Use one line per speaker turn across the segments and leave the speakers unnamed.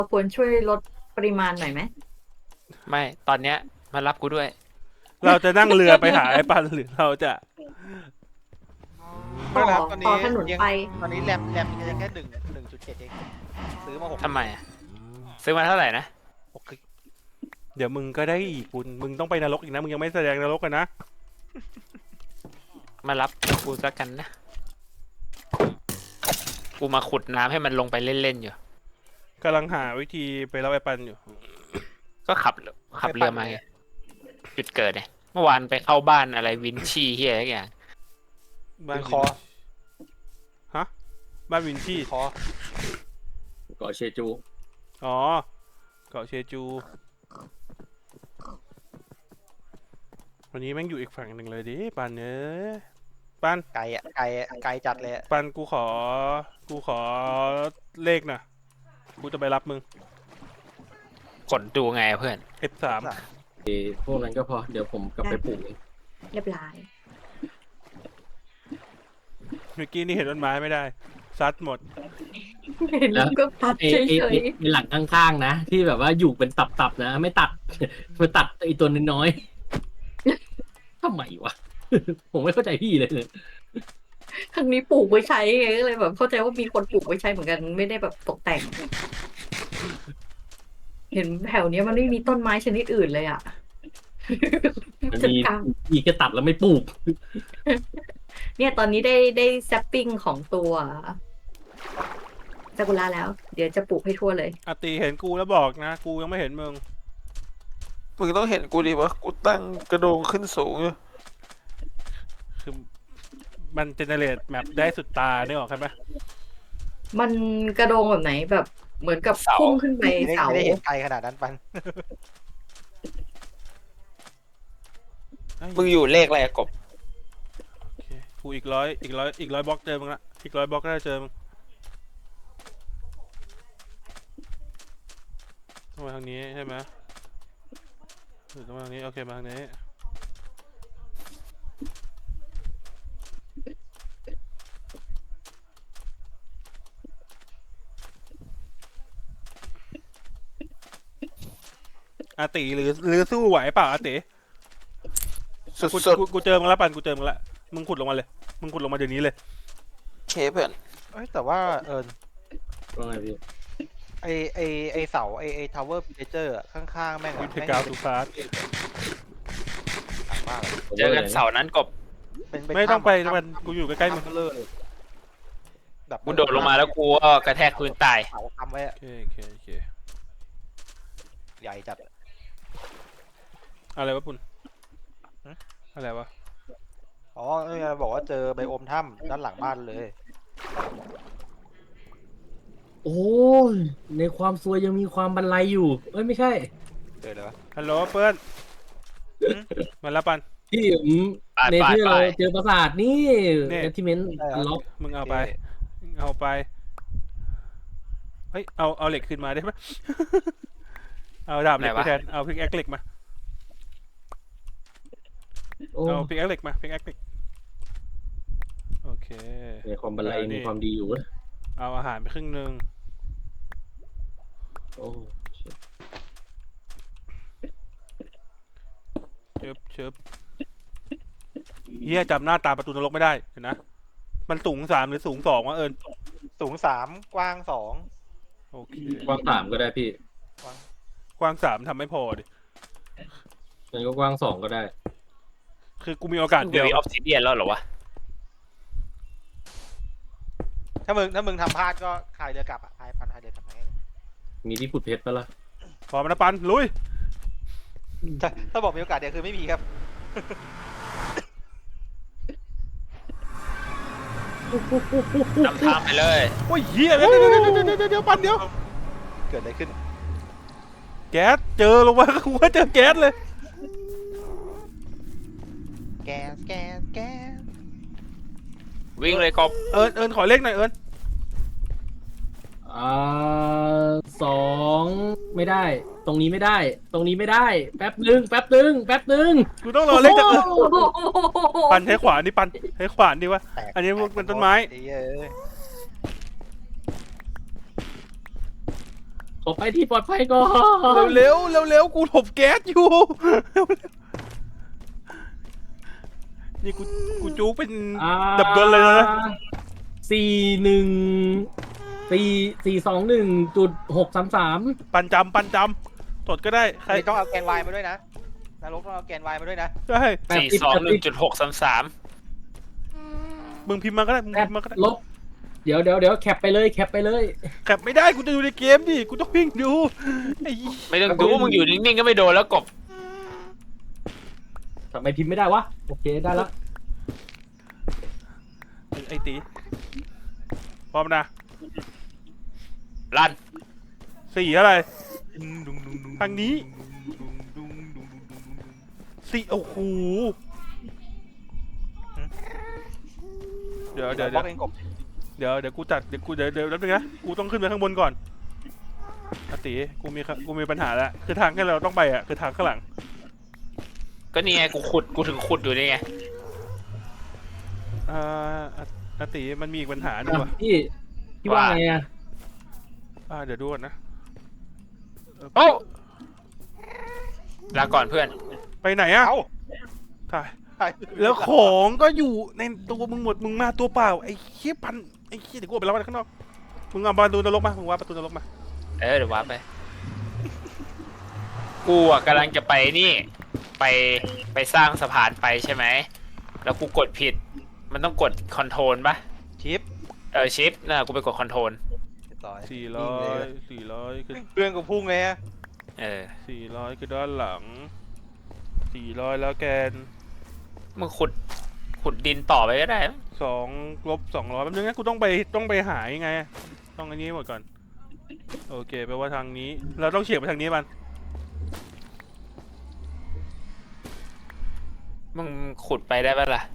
ควรช่วยลดปริมาณหน่อยไหม
ไม่ตอนเนี้ยมารับกูด้วย
เราจะนั่งเรือไปหาไอ้ปันหรือเราจะ
ไม่นะครับตอน
ต่อ
นี้
ถนน
ยัง
ไป
ตอนนี้แรมยังแค่1.7เองซื้อมา6
ทำไมอะซื้อมาเท่าไหร่นะ
6กิก
เดี๋ยวมึงก็ได้อีกคุณมึงต้องไปนรกอีกนะมึงยังไม่แสดงนรกกันนะ
มารับกูสักกันนะกูมาขุดน้ำให้มันลงไปเล่นๆอยู่
กำลังหาวิธีไปรับไอ้ปันอยู่
ก็ขับเรือมาไงจุดเกิดเนี่ยเมื่อวานไปเข้าบ้านอะไรวินชี่เฮียอะไรอย่าง
บ้าน
คอ
ฮะบ้านวินชี่
คอ
เกาะเชจู
อ๋อเกาะเชจู วันนี้แม่งอยู่อีกฝั่งหนึ่งเลยดิปันเอ้ยปัน
ไก่อะไก่จัดเลยอะ
ปันกูขอเลขหน่ะกูจะไปรับมึง
กดดูไงเพื่อน
F3
พวกนั้นก็พอ เดี๋ยวผมกลับไปปลูกเอง
เรียบร้อย
เมื่อกี้นี่เห็นต้นไม้ไม่ได้ซัดหมด
เห็นก็ตัด
ไอ้
เฉ
ไอ้
ย
ไอ้หลังข้างๆนะ ที่แบบว่าอยู่เป็นตับๆนะ ไม่ตัด มาตัดไอ้ตัวน้อยๆทำไมวะ ผมไม่เข้าใจพี่เลยเนี่ย
ๆครั้งนี้ปลูกไว้ใช้ไงก็เลยแบบเข้าใจว่ามีคนปลูกไว้ใช้เหมือนกันไม่ได้แบบตกแต่ง เห็นแถวเนี้ยมันไม่มีต้นไม้ชนิดอื่นเลยอ่ะ
มัน
จัด
มี
การ
มีแค่ตัดแล้วไม่ปลูก
เนี่ยตอนนี้ได้แซปปิ้งของตัวซากุระแล้ว เดี๋ยวจะปลูกให้ทั่วเลย
อาตีเห็นกูแล้วบอกนะ กูยังไม่เห็นมึง
มึงต้องเห็นกูดิวะกูตั้งกระโดงขึ้นสูงอยู่
คือมันเจเนเรตแมปได้สุดตาเนี่ยหรอกใช่ไหม
มันกระโดงแบบไหนแบบเหมือนกับ
เสา
พุ่งขึ้นไป
ไม่ได้
เสา
ไม่ได้เห็นไกลขนาดนั้นปัน
มึงอยู่เลขอะไรอะกบ
โอเคกูอีกร้อยบล็อกเจอมึงละอีก100 บล็อกก็ได้เจอมึงต้องมาทางนี้ใช่ไหมหรือต้องมาทางนี้โอเคมาทางนี้อาติหรือสู้ไหวเปล่าอาติ
สุ
กู
ด
กูเจอมึงแล้วปันกูเจอมึงละมึงขุดลงมาเลยมึงขุดลงมาเดี๋ยวนี้เลย
ๆเคเพื่อน
เอ้ยแต่ว่า
ว่าไงพี่
ไอเสาไอทาวเวอร์เพเจอร์ข้างๆแม่ง
วิ
อะ
ธีกาวทูฟาส
หนักมากเลย
เจอกันเสาร์นั้นกบ
เป็น
ไม่ต้องไป
ถ้ำ
มันกูอยู่ใกล้ๆมึง
ถ้ำเลยแบบ
กูโดดลงมาแล้วกูก็กระแทกพื้นตาย
เสาทำไว้อะ
โอเค
ใหญ่จัด
อะไรวะปุ่นอะไรวะ
อ๋อเนี่ยบอกว่าเจอไบโอมถ้ำด้านหลังบ้านเลย
โอ้ยในความซวยยังมีความบันไลอยู่ เอ้ยไม่ใช่
เจอเลยวะ
ฮัลโหลเพื่อนมาแล้วปัน
ที่ผม
ปาด
ในที่
ปา
เรา
ด
เจอปราสาทนี่
นี่
แอทิเมนต์ล็อก
มึงเอาไปเฮ้ยเอาเหล็กขึ้นมาได้ไหม เอาดาบเหล็ก
ไหน
ไป
วะ
แทนเอาพิกแอคเหล็กมา
โอ้
เอาพิกแอคเหล็กมาพิกแอคเหล็กโอเค
ในความบันไลมีความดีอยู่เว้ย
เอาอาหารไปครึ่งนึง
โอ้
เชิบเฮียจำหน้าตาประตูนรกไม่ได้เห็นนะมันสูง3หรือสูง2วะเอิญ
สูง3กว้าง2
โอเค
กว้าง3ก็ได้พี่
กว้าง3ทำไม่พอดิ
งั้นก็กว้าง2ก็ได้
คือกูมีโอกาส
เดี๋
เดี
ย
ยว ว
ออฟซิเดียนแล้วเหรอวะ
ถ้ามึงทำพลาดก็พายเรือกลับอ่ะพายเรือกลับมาง่าย
มีที่ขุดเพชรปะล่ะ
พร้อมนะปันลุย
ถ้าบอกมีโอกาสเดียวคือไม่มีครับ
นำทางไปเลย
โอ้ยเฮียเดี๋ยวปันเดี๋ยว
เกิดอะไรขึ้น
แก๊สเจอลงมา กูว่าเจอแก๊สเลย
แก๊ส
วิ่งเลยกบ
เอิญขอเลขหน่อยเอิญ
2ไม่ได้ ตรงนี้ไม่ได้ ตรงนี้ไม่ได้ แป๊บนึง
กูต้องรอเลขจากเอิญ
โอ้โห
ปันใช้ขวานดิปันใช้ขวานดิวะ
แตก
อันนี้พวกเป็นต้นไม้
ไอ้เหี้ย
ขอไปที่ปลอดภัยก่อน
เร็วเร็วเร็วกูหลบแก๊สอยู่เร็วนี่กูจู๊กเป็น ดับเบิลเลยนะ
412.633
ปันจำตดก็ได้ใคร
ใครต้องเอาแกนวายมาด้วยนะนรกต้องเอาแกนวายมาด้วยนะ
ได้
421.633
มึงพิมพ์มาก็ได้มึง
แคป
พิมพ์มาก็ได้
ลบเดี๋ยวแคปไปเลยแคปไปเลย
แคปไม่ได้กูจะดูในเกมดิกูต้องวิ่งดูไอ้
ไม่ต้องดูมึงอยู่นิ่งๆก็ไม่โดนแล้วกบ
ทำไมพิมพ์ไม่ได้วะ โอเคได้ละ
ไอ้ตีพร้อมนะ
ลั่น
สี่อะไรทางนี้สี่โอ้โหเดี๋ยว
บล็อกเองกบ
เดี๋ยวกูจัดเดี๋ยวแป๊บนึงนะกูต้องขึ้นไปข้างบนก่อนอาติกูมีปัญหาแล้วคือทางที่เราต้องไปอ่ะคือทางข้างหลัง
ก็นี่ไงกูถึงขุดอยู่นี่ไง
อาติมันมีอีกปัญหาหนึ่งว่ะ
พี่ว่าไงอะ
เดี๋ยวดูก่อนนะ
โอ้ลาก่อนเพื่อน
ไปไหนอ่ะ
เอ้า
ถ่าย
ใคร
แล้วของก็อยู่ในตัวมึงหมดมึงมาตัวเปล่าไอ้เหี้ยพันไอ้เหี้ยเดี๋ยวกูออกไปแล้วข้างนอกมึงเอาประตูนรกมามึงว่าประตูนรกมา
เดี๋ยววาร์ปไป กูอ่ะกำลังจะไปนี่ ไปสร้างสะพานไปใช่ไหม แล้วกูกดผิด มันต้องกดคอนโทรลปะ
ชิป
ชิปน่ะกูไปกดคอนโทรล
400คือ
เพื่อนกูพุ่งเลยฮะ
400คือด้านหลัง400แล้วแกน
มึงขุดดินต่อไปก็ได้
2 ลบ 200แป๊บนึงนะกูต้องไปหายังไงต้องอันนี้หมดก่อนโอเคแปลว่าทางนี้เราต้องเฉียงไปทางนี้มัน
มึงขุดไปได้ปะล่ะ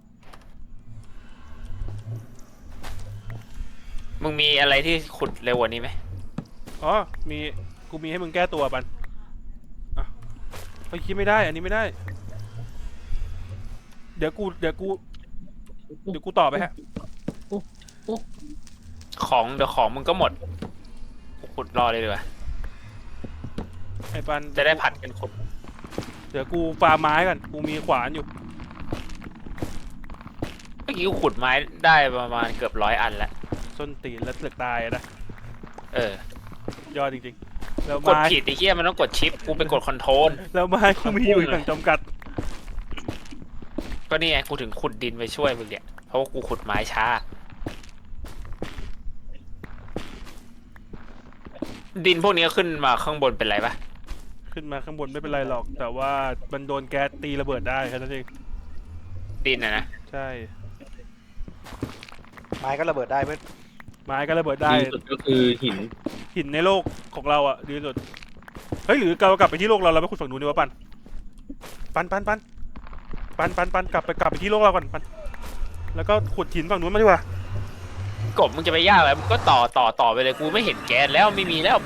มึงมีอะไรที่ขุดเร็วกว่านี้ไหม
อ๋อกูมีให้มึงแก้ตัวปันไปคิดไม่ได้อันนี้ไม่ได้เดี๋ยวกูต่อไปฮะ
เดี๋ยวของมึงก็หมดกูขุดรอเลยดีกว่า
ไอ้ปัน
จะได้ผัดกันขุด
เดี๋ยวกูปาไม้ก่อนกูมีขวานอยู่
เมื่อกี้กูขุดไม้ได้ประมาณเกือบ100 อันแล้ว
ส้นตีนแล้วเสือกตายนะ ยอดจริงๆแล้ว
กด
ไม้
ผิดไอ้เหี้ยมันต้องกดชิปกูไปกดคอนโทรล
แล้วไม้กูมีอยู่อย่างจำกัด
ก็นี่ไงกูถึงขุดดินไปช่วยมึงเนี่ยเพราะว่ากูขุดไม้ช้า ดินพวกนี้ขึ้นมาข้างบนเป็นไรปะ
ขึ้นมาข้างบนไม่เป็นไรหรอก แต่ว่ามันโดนแก๊สตีระเบิดได้แค่นั้นเอง
ดินนะ
ใช่
ไม้ก็ระเบิดได้เพื่อน
ไม้ก็ระเบิดได้
ดีสุดก็คือหิน
ในโลกของเราอ่ะดีที่สุดเฮ้ยหรือเรากลับไปที่โลกเราไปขุดฝั่งนู้นดีวะปันกลับไปที่โลกเราก่อนปันแล้วก็ขุดหินฝั่งนู้นมาดีกว่าก
บมึงจะไปยากอะไรมึงก็ต่อไปเลยกูไม่เห็นแก๊สแล้วไม่มีแล้วไป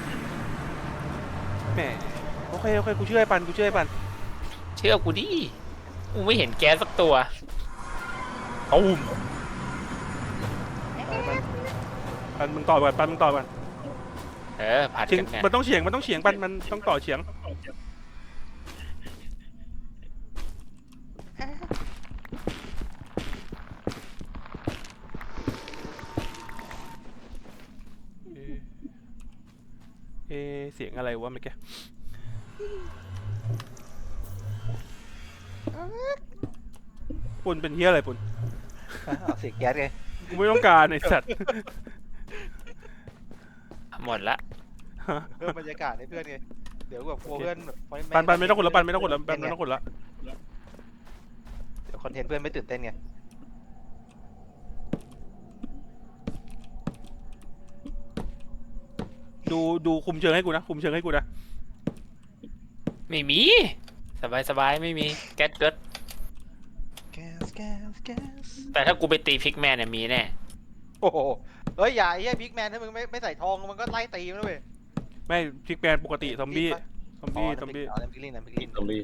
แหมโอเคกูเชื่อไอ้ปัน
เชื่อกูดิกูไม่เห็นแก๊สสักตัวตูม
ปันมึงต่อก่อน
ผัด
เฉียง
กันไง
มันต้องเฉียงปันมันต้องต่อเฉียงเสียงอะไรวะเมื่อกี้ปุ่นเป็นเฮียอะไรปุ่น
เอาเสียงแก๊สไง
กูไม่ต้องการไอ้สัตว์
หมดละ
เพิ่มบรรยากาศให้เพื่อนไงเดี๋ยวแบบกลัวเพื่อนแบบ
ปันไม่ต้องกดแล้วไม่ต้องกดแล้วเ
ดี๋ยวคอนเทนต์เพื่อนไม่ตื่นเต้นไง
ดูคุมเชิงให้กูนะ
ไม่มีสบายไม่มีแก๊สเกิด
แก๊ส
แต่ถ้ากูไปตีพิกแมนเนี่ยมีแน่
โอ้โหเฮ้ยอย่าไอ้เหี้ยบิ๊กแมนถ้ามึงไม่ใส่ทองมันก็ไล่ตีมันเลย
ไม่พิกแมนปกติซอมบี้
อ๋อน้ำพริกลิน
ตรงนี้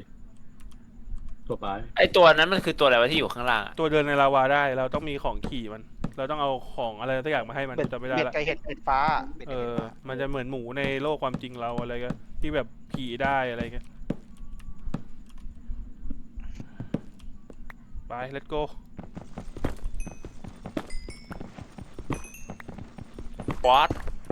ทั่วไป
ไอตัวนั้นมันคือตัวอะไรวะที่อยู่ข้างล่างอะ
ตัวเดินในลาวาได้เราต้องมีของขี่มันเราต้องเอาของอะไรสักอย่างมาให้มัน
เบ็ด
จำไม่ได้
เบ็ด
ละ
ไก่เห็ดฟ้าเบ็ด
เอ
ไก่เห็ด
อ
ฟ้า
มันจะเหมือนหมูในโลกความจริงเราอะไรก็ที่แบบผีได้อะไรเงี้ยไป let's go
วอต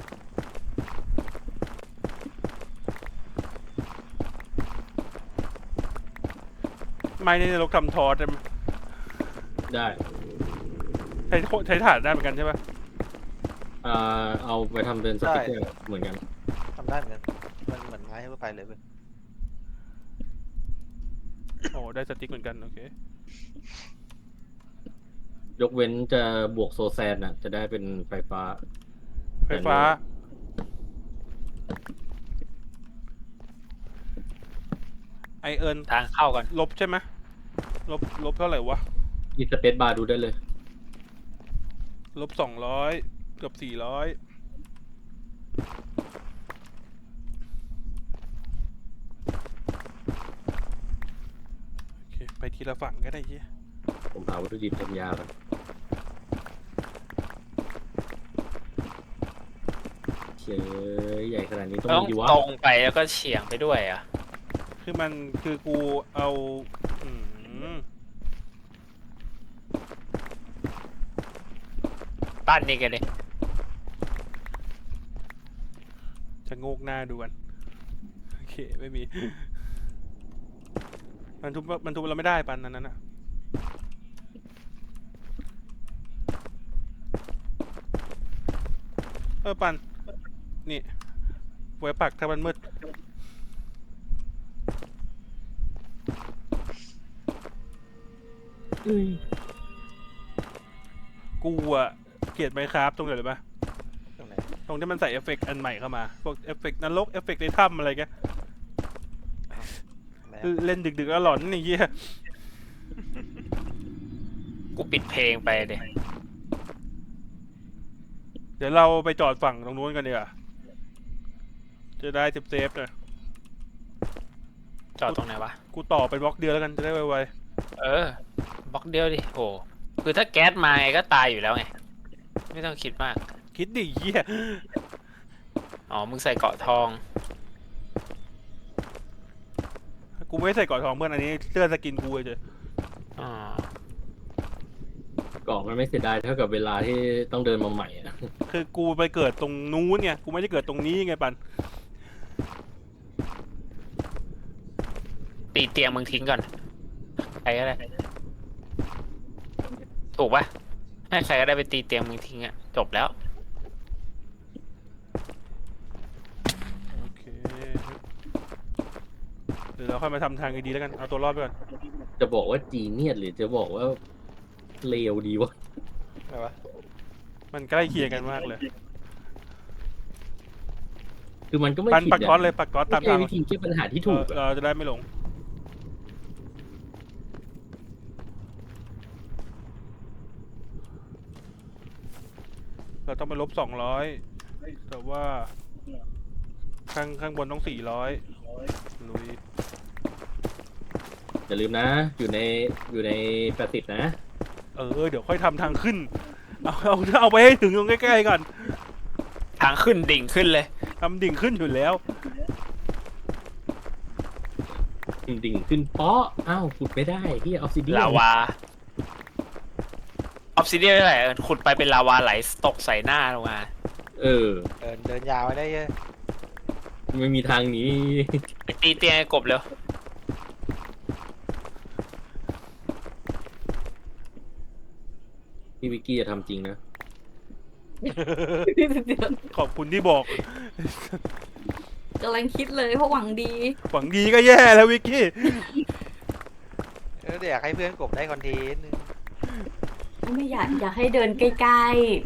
ไม่ในรกทำทอสได้ไหม
ได้
ใช้ถ่านได้เหมือนกันใช่ปะ
เอาไปทำเป็นสติ๊กเกอร์เหมือนกัน
ทำได้เหมือนกันมันเหมือนไม้ทั่วไปเลยเว้ย
โอ้ได้สติ๊กเหมือนกันโอเค
ยกเว้นจะบวกโซแซนน่ะ จะได้เป็นไฟฟ้า
ไฟฟ้า ไอเอิญ
ทางเข้าก่อน
ลบใช่ไหมลบเท่าไหร่วะ
มีสเปซบาร์ดูได้เลย
ลบ200เกือบ400โอเคไปทีละฝั่งก็ได้เฮีย
ผมหาวัตถุดิบทำยาก่อนเชยใหญ่ขนาดนี้ต้อง
ต้อง
มีดีวะ
ตรงไปแล้วก็เฉียงไปด้วยอ่ะ
คือกูเอาม
ปั้นนี่กันเลย
จะโงกหน้าดูกันโอเคไม่มี มันทุบเราไม่ได้ปันนั้นน่ะปันนี่ไว้ปักถ้ามันมืด กูอะเกลียดไมค์ครับตรงไหนเลยปะ
ตรงไหน
ตรงที่มันใส่เอฟเฟกต์อันใหม่เข้ามาพวกเอฟเฟกต์นรกเอฟเฟกต์ในถ้ำอะไรแก
แหม
เล่นดึกๆแล้วหลอนนี่เหี้ย
กูปิดเพลงไปเดย
เดี๋ยวเราไปจอดฝั่งตรงนู้นกันดีกว่าจะได้เซฟๆหน่อย
จอดตรงไหนวะ
กูต่อเป็นบล็อกเดียวแล้วกันจะได้ไว
เออบล็อกเดียวดิโหคือถ้าแก๊สมาไงก็ตายอยู่แล้วไง ไม่ต้องคิดมาก
ๆคิดดิเหี้ย
อ๋อ มึงใส่เกราะทอง
กูไม่ใส่เกราะทองเพื่อนอันนี้เสื้อสกินกูเฉย
อ๋อ
กล่องมันไม่เสียดายเท่ากับเวลาที่ต้องเดินมาใหม่อะ
คือกูไปเกิดตรงนู้นไงกูไม่ได้เกิดตรงนี้ไงปัน
ตีเตียงมึงทิ้งก่อน ใครก็ได้ ถูกปะให้ใครก็ได้ไปตีเตียงมึงทิ้งอะจบแล้ว
โอเคเดี๋ยวเราค่อยมาทำทางดีๆแล้วกันเอาตัวรอดไปก่อน
จะบอกว่าจีเนียสหรือจะบอกว่าเลวดีวะ
อะไรวะ
มันใกล้เคียงกันมากเลย
คือมันก็ไม่
ปัน
ผิด
ปักก๊อตเลยปักก๊อตตาม
ไม่ใช่
ทาง
วิธีแก้ปัญหาที่ถูกอะ
เราจะได้ไม่หลง เราต้องไปลบ200แต่ว่าข้างบนต้อง400ลุย
อย่าลืมนะ อยู่ใน80นะ
เดี๋ยวค่อยทำทางขึ้น เอาไปให้ถึงตรงใกล้ๆก่อน
ทางขึ้นดิ่งขึ้นเลย
ทำดิ่งขึ้นอยู่แล้ว
ดิ่งขึ้นเปาะอ้าวขุดไม่ได้ที่ออฟซิเดีย
ลาวา ออฟซิเดียอะไรขุดไปเป็นลาวาไหลตกใส่หน้าลงมา
เออ
เดินยาวไปได้เยอะ
ไม่มีทางหนี้
ไปตีเตียงไอ้กบเร็ว
พี่วิกกี้จะทำจริงนะ
ขอบคุณที่บอก
กำลังคิดเลยเพราะหวังดี
หวังดีก็แย่แล้ววิกกี้
เดี๋ยวอยากให้เพื่อนกบได้คอนเทนต์
ไม่อยากให้เดินใกล้ๆ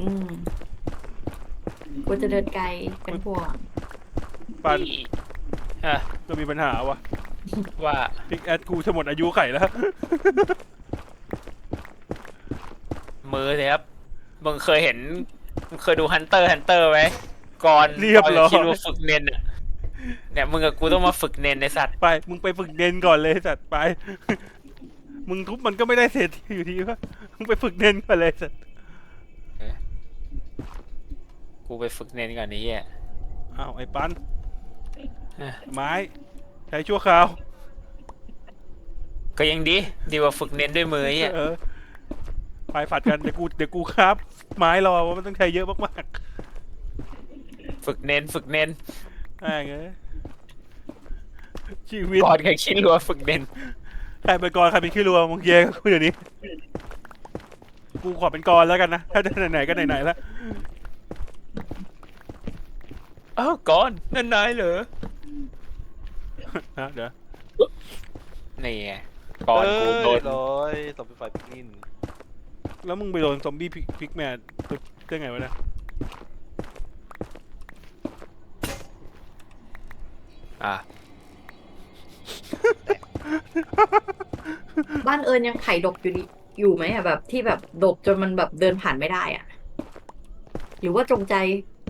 กูจะเดินไกลเป็นห่วง
ปัน
ฮะ
เรามีปัญหาวะ
ว่า
พิกแอดกูจะหมดอายุไขแล้ว
มือสิครับ มึงเคยเห็น มึงเคยดูฮันเตอร์ไหมก่อน
เรียบร้อย
คิดว่าฝึกเน้นอะเนี่ยมึงกับกูต้องมาฝึกเน้นในสัตว์
ไป มึงไปฝึกเน้นก่อนเลยสัตว์ไป มึงทุบมันก็ไม่ได้เสร็จอยู่ดีวะมึงไปฝึกเน้นก่อนเลยสัตว์
กูไปฝึกเน้นก่อนนี้อ่ะ
อ้าวไอ้ปัน
เอ้ย
ไม้ใช้ชั่วคราว
ก็ยังดีกว่าฝึกเน้นด้วยมืออ่ะ
เออไปผัดกันเดี๋ยวกูครับ ไม้รอว่ามันต้องใช้เยอะมาก
ฝึกเน้น
ๆแม่งเอ้ยชีวิต
ก่อนแข่งชิ้นรัวฝึกเน้น
ใครเป็นกรใครเป็นขี้รัวมึงเย่กูเดี๋ยวนี้ กูขอเป็นกรแล้วกันนะ ถ้าจะไหนๆก็ไหนๆแล้ว
อ้าวก่อนนั่นนายเหรอ
นะเดี๋ยว
นี่ไงก่อนกูโดน
เลยสมเป็นไฟพิกนิน
แล้วมึงไปโดนซอมบี้พิกแมนได้ไงวะเนี่ย
อ่ะ
บ้านเอิญยังไข่ดกอยู่ไหมอะแบบที่แบบดกจนมันแบบเดินผ่านไม่ได้อะหรือว่าจงใจ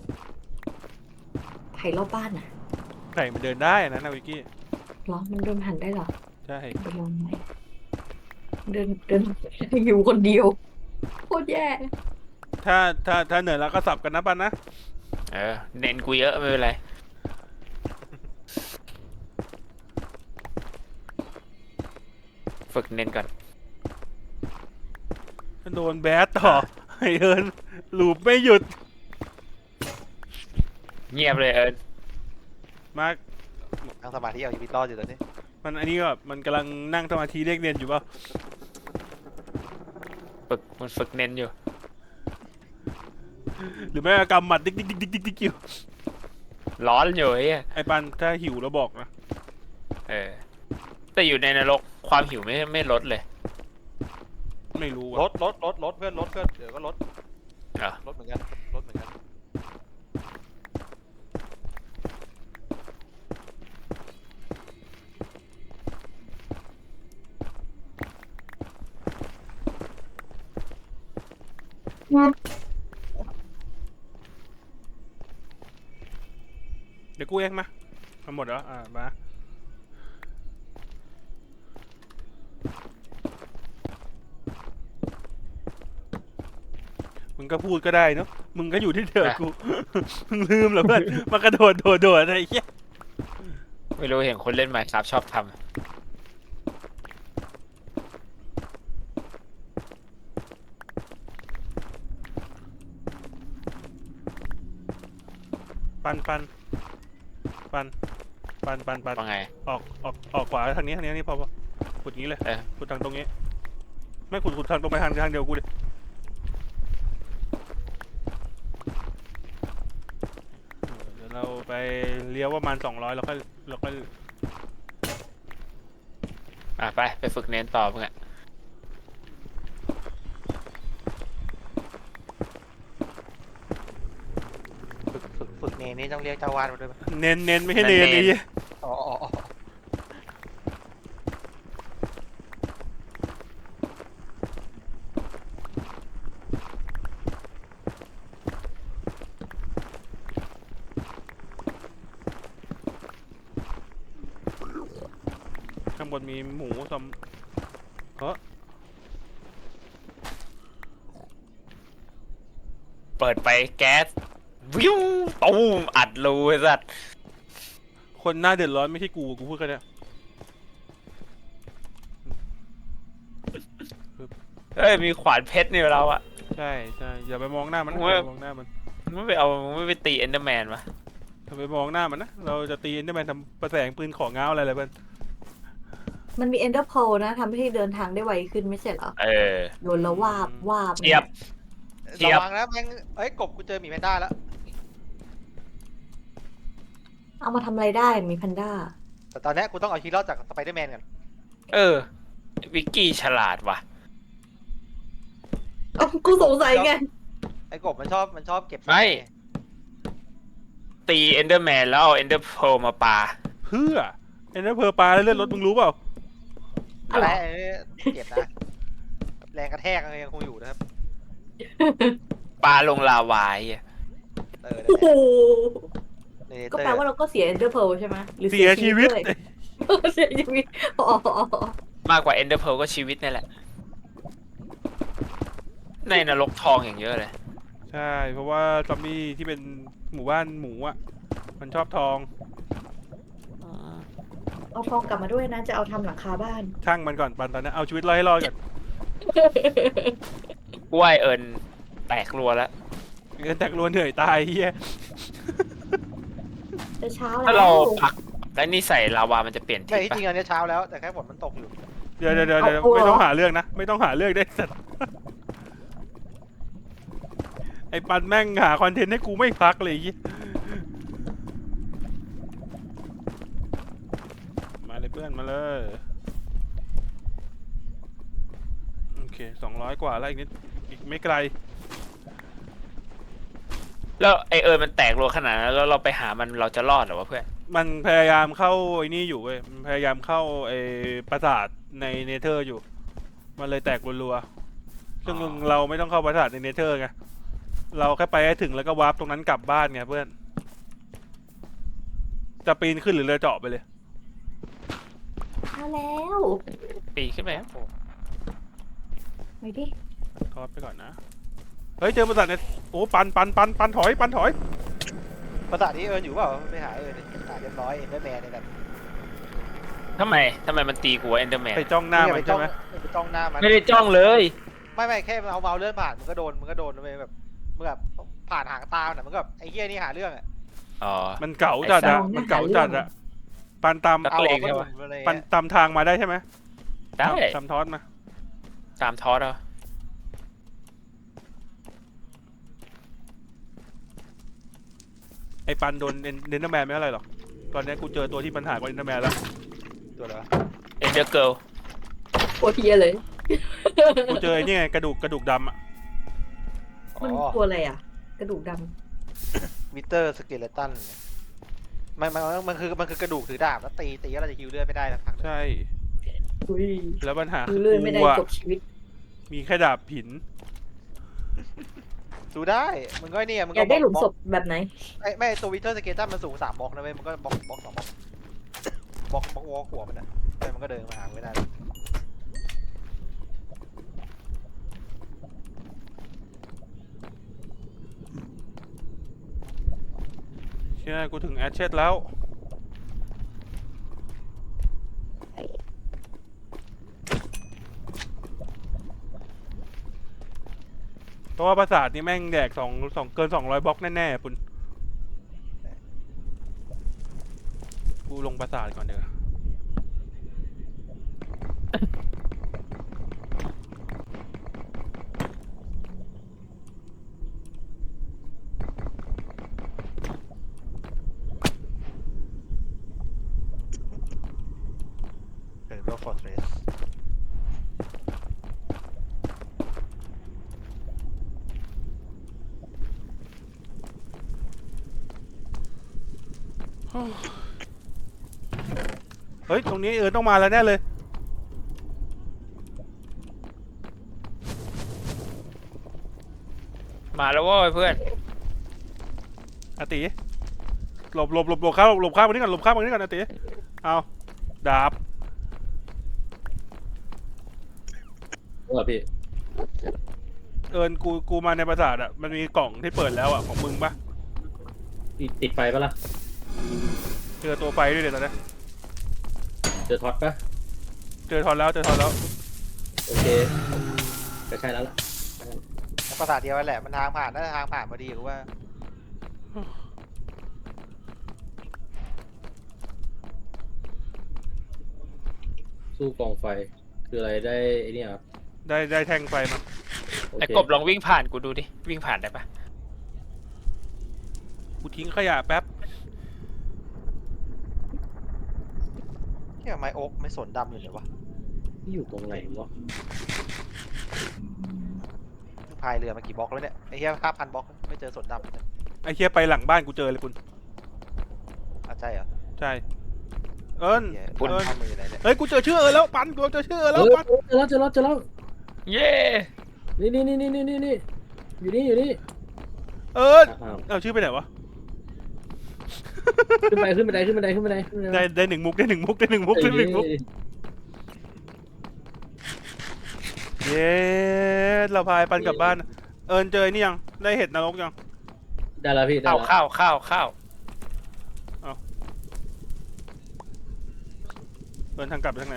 ไข่รอบบ้านอะ
ไก่มันเดินได้นะนาวิกกี้
เหรอมันเดินผ่านได้เหรอ
ใช่
ไปลองไหมเดินอยู่คนเดียวโคตรแย่
ถ้าเหนื่อยแล้วก็สับกันนะปันนะ
เน้นกูเยอะไม่เป็นไรฝึกเน้นก่อน
โดนแบดต่อไอเอิญลูปไม่หยุด
เงียบเลย
มาก
นั่งสมาธิเอาชีวิตรอดอยู่ตอนนี้
มันอันนี้ก็มันกำลังนั่งสมาธิเรียกเรียนอยู่เปล่า
มันฝึกเน้นอยู่
หรือไม่ก็กำหมัดดิ๊กดิ๊กดิ๊กดิ๊กดิ๊กดิ๊กอยู่
ร้อนอยู่ไอ้เหี้ย
ไอปันถ้าหิวแล้วบอกนะ
แต่อยู่ในนรกความหิวไม่ลดเลย
ไม่รู้
ร
อะ
ถเพื่อนรถเพื่อนเดี๋ยวก็รถ
เหรอ
รถเหมือนกันรถเหมือนกัน
เดี๋ยวกูเองมาหมดแล้วมามึงก็พูดก็ได้เนาะมึงก็อยู่ที่เดิมกู มึงลืมเหรอเพื่อนมากระโดดอะไรเงี้ย
ไม่รู้เห็นคนเล่น Minecraft ชอบท
ปัน
ำว่าไง
ออกขวาทางนี้นี่พอขุดงี้เลย ขุดทางตรงนี้ ไม่ขุดทางตรงไปทางเดียวกูเลยเดี๋ยวเราไปเลี้ยวประมาณ200แล้วก็
ไปฝึกเน้นต่อมึงอ่ะ
ฝึกเนนี่ต้องเรียกเจ้าวาดมาด้วยไหม
เน้นไม่ให้เน้นไอ้เหี้ย
อ๋อ
ข้างบนมีหมูซอม
เปิดไปแก๊สวิวตูมอัดรูไอ้สัส
คนหน้าเดือดร้อนไม่ใช่กูพูดกันเนี่ย
มีขวานเพชรนี่เราอ่ะ
ใช่อย่าไปมองหน้ามันนะ
โอ้ย
อย่าไปมองหน้ามัน
มึงไม่ไปตีเอนเดอร์แมนวะ
อย่าไปมองหน้ามันนะเราจะตีเอ็นเดอร์แมนทำประแสงปืนของง้าวอะไรเพื่อน
มันมีเอนเดอร์โพนะทำให้เดินทางได้ไวขึ้นไม่ใช่เหรอโดนแล้ววาบ
เทียบ เทียบ
ระวังนะแม่งกบกูเจอหมีแพนด้าแล้ว
เอามาทำอะไรได้มีแพนด้า
แต่ตอนนี้กูต้องเอาชีวิตรอดจากสไปเดอร์แมนก่อน
วิกกี้ฉลาดว่ะ
กูสงสัยไง
ไอ้กบมันชอบเก็บ
ไม่ ตีเอนเดอร์แมนแล้วเอาเอนเดอร์โพมาปา
เพื่อเอ็นเดอร์เพอร์ปลาแล้วเลื่อนรถมึงรู้เปล่า
อะไรเก็บนะแรงกระแทกยังคงอยู่นะครับ
ปาลงลาวายอ่ะ
นั่น
โอ้โห
แหละ
ก็แปลว่าเราก็เสียเอนเดอร์โพใช่ไหมหรือ
เสียชีวิต
ด้วยเสียชีวิตอ๋อ
มากกว่าเอนเดอร์โพก็ชีวิตนี่แหละ ในนรกทองอย่างเยอะเลย
ใช่ เพราะว่าซอมบี้ที่เป็นหมู่บ้านหมูอ่ะ มันชอบทอง
เอาทองกลับมาด้วยนะ จะเอาทำหลังคาบ้าน
ช่างมันก่อนปันตอนนี้เอาชีวิตรอดให้รอดก่อน
กูว่าไอ้เอิญแตกรัวแล้ว
เงินแตกรัวเหนื่อยตายเฮีย
จะเช้า
ถ้า
แล้
เรา
ว
ผลักแล้วนี่ใส่ลาวามันจะเปลี่ยน
ไม่
ทิศ
ที่จริง
ปะ
อันนี้เช้าแล้วแต่แค่ฝนมันตกอยู่
เดี๋ยวไม่ต้องหาเรื่องนะ ไม่ต้องหาเรื่องได้สัตว์ไอ้ปันแม่งหาคอนเทนต์ให้กูไม่พักเลยไอ้เหี้ยมาเลยเพื่อนมาเลย โอเค200กว่าแล้วอีกนิดอีกไม่ไกล
แล้วไอ้เอิญมันแตกรัวขนาดนั้นแล้วเราไปหามันเราจะรอดเหรอวะเพื่อน
มันพยายามเข้าไอ้นี่อยู่เว้ย มันพยายามเข้าไอ้ปราสาทในเนเธอร์อยู่ มันเลยแตกรัวๆซึ่งเราไม่ต้องเข้าปราสาทในเนเธอร์ไง เราแค่ไปให้ถึงแล้วก็วาร์ปตรงนั้นกลับบ้านไงเพื่อน จะปีนขึ้นหรือเรือเจาะไปเลย
มาแล้ว
ปีนขึ้นไปครับผม
ไปดิ
ทอดไปก่อนนะ เฮ้ยเจอปราสาทเนี่ยโอ้ปันถอย
ภาษาที่เอิญอยู่เปล่าไปหาเอิญดิหาเรียบร้อยเอ็นเดอร์แมนในนั้น
ทำไมมันตีกูเอนเดอร์แมน
ไปจ้องหน้า
อย่
มันใช่ไหม
ไปจ้องหน้ามัน
ไม่ได้จ้องเลย
ไม่แค่เอาเมาส์เลื่อนผ่านมันก็โดนเลยแบบเมื่อแบบผ่านหางตามันก็แบบไอ้เหี้ยนี่หาเรื่องอ่ะ
อ๋อ
มันเก่าจัดอะมันเก่าจัดอะปันตาม
นัก
เอา
เล
อง อก
ใช่
ก็
ปะ
ถูกเลย
ปันตามทางมาได้ใช่ไหม
ได้
ตามทอดมา
ตามทอสเหรอ
ไอ้ปันโดนเดนเดอร์แมนไม่เท่าไหร่หรอก ตอนนี้กูเจอตัวที่ปัญหากว่าเดนเดอร์แมนแล้ว
ตัวอะไรวะ
เอนเดอร์เกิล
โคตรเฮียเลย
กูเจอไอ้นี่ไงกระดูกดำอะ
มัน
อ๋อ
ตัวอะไรอ่ะ กระดูกด
มิเตอร์สเกเลตันมันคือกระดูกถือดาบแล้วตีแล้วเราจะฮิวเลือดไม่ได้นะพักหนึ่ง
ใช่
ำอุ้ย
แล้วปัญหา
ดู
คือ
เลื่อนไม่ได้
กูอะ
จบชีวิต
มีแค่ดาบผิน
ดูได้มึงก็เนี่ยมึง
อยากได้หลุมศพแบบไหน
ไม่ตัววิเตอร์สเกเลตันมันสูง3 บล็อกนะเว้ยมันก็บล็อก2 บล็อกบล็อกวอลหัวมันอ่ะมันก็เดินมาหาไม่ได้
เชื่อกูถึงแอชเชตแล้ว เพราะว่าปราสาทนี่แม่งแดกเกิน200 บล็อกแน่ๆปุ่นกูลงปราสาทก่อนเดี๋ยวา
เป็นโลกฟอร์เทรส
เฮ้ย ตรงนี้ต้องมาแล้วแน่เลย
มาแล้วเว้ยเพื่อน
อาติหลบข้ามมานี่ก่อนหลบข้ามมานี่ก่อนอาติเอาดาบ
ว่าพี่
กูมาในปราสาทอ่ะ มันมีกล่องที่เปิดแล้วอ่ะ ของมึงปะ
ติดไฟปะล่ะ
เจอตัวไฟด้วยเดี๋ยวตอนนี้
เจอท็อตปะ
เจอทอนแล้ว
โอเคก็ใช่แล้วล่ะ
ภาษาเดียวกันแหละมันทางผ่านน่าจะทางผ่านพอดีหรือว่า
สู้กองไฟคืออะไรได้ไอ้นี่ครับ
ได้แทงไฟมา
โอ
ไอ้
เค
กบลองวิ่งผ่านกูดูดิ วิ่งผ่านได้ปะ
กูทิ้งขยะแป๊บ
ที่ไม้โอ๊กไม่สนดำอยู่เลยวะ
ที่อยู่ตรงไหนวะ
พายเรือมากี่บล็อกแล้วเนี่ยไอ้เหี้ย5,000 บล็อกไม่เจอสนดำเลย
ไอ้เคียไปหลังบ้านกูเจอเลยคุณ
ใช่เหรอ
ใช่ เอิญ
เหี้ย
เอิญ
ทำมืออะไรเนี่ย
เฮ้ย กูเจอชื่อแล้วปันกูเจอชื่อแล้วปัน
เจอแล้ว
เย้
นี่อยู่นี่
เอิญ
อ้าว
เอาชื่อไปไหนวะ
ขึ้นไป
ได้1 มุก เย้เราพายปันกลับบ้านเอิญเจอนี่ยังได้เห็ดนรกยัง
ได้แล้วพี่ได้
ข้าว
แล้ว
ข้าว
เอิญทางกลับไปทางไหน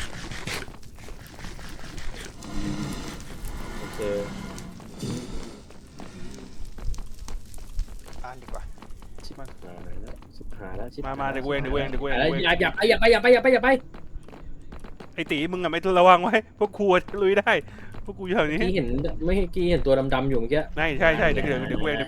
โอเค
อ่านดีกว่า
ชิบหายแล้วชิบหายแล้วชิบหาย
มาเดี๋ยวกูเอง
แล้วอย่าไป
ไอ้ตีมึงอะไม่ระวังไว้พวกครูลุยได้พวกกูอยู่แถวนี้
กี้เห็นไม่กี้เห็นตัวดำๆอยู่เมื่อกี้
ไม่ใช่เดี๋ยวกูเอง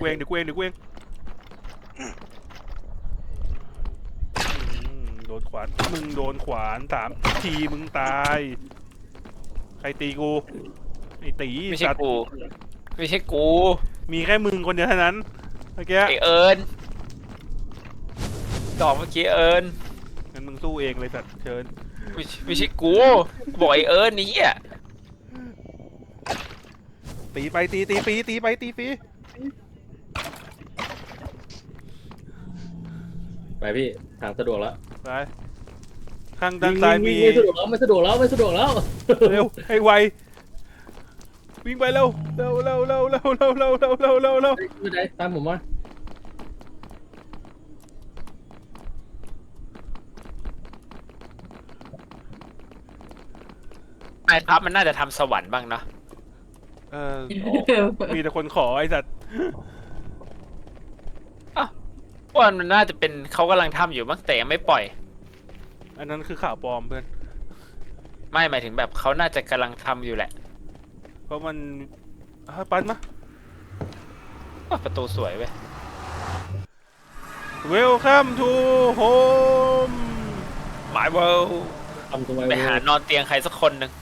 โดนขวานมึงโดนขวาน3 ทีมึงตายใครตีกูไอ้ตี
ไม่ใช่
สัตว์
กู ไม่ใช่กู
มีแค่มึงคนเดียวเท่านั้นเมื่อกี้
ไอเอิญดอกเมื่อกี้เอิญ
งั้นมึงสู้เองเลยสัตว์เชิญ
ไม่ใช่กูบอกไอเอิญนี่อ่ะ
ตีไปตีฟรี
ไปพี่ทางสะดวกแล้ว
ไปข้างด้านซ้ายมี
ไม่สะดวกแล้ว
เร็วให้ไววิ่งไปเร็ว
ไม่ได้ตามผมมา
ไอ้ทัพมันน่าจะทำสวรรค์บ้างเนาะ
มีแต่คนขอไอ้สัตว์
ว่ามันน่าจะเป็นเขากำลังทำอยู่บ้างแต่ยังไม่ปล่อย
อันนั้นคือข่าวปลอมเพื่อน
ไม่หมายถึงแบบเขาน่าจะกำลังทำอยู่แหละ
เพราะมันปันมา
อ้าวประตูสวยเว้ย
Welcome to home
My world
ทำตัวไว้
ไปหานอนเตียงใครสักคนหนึ่ง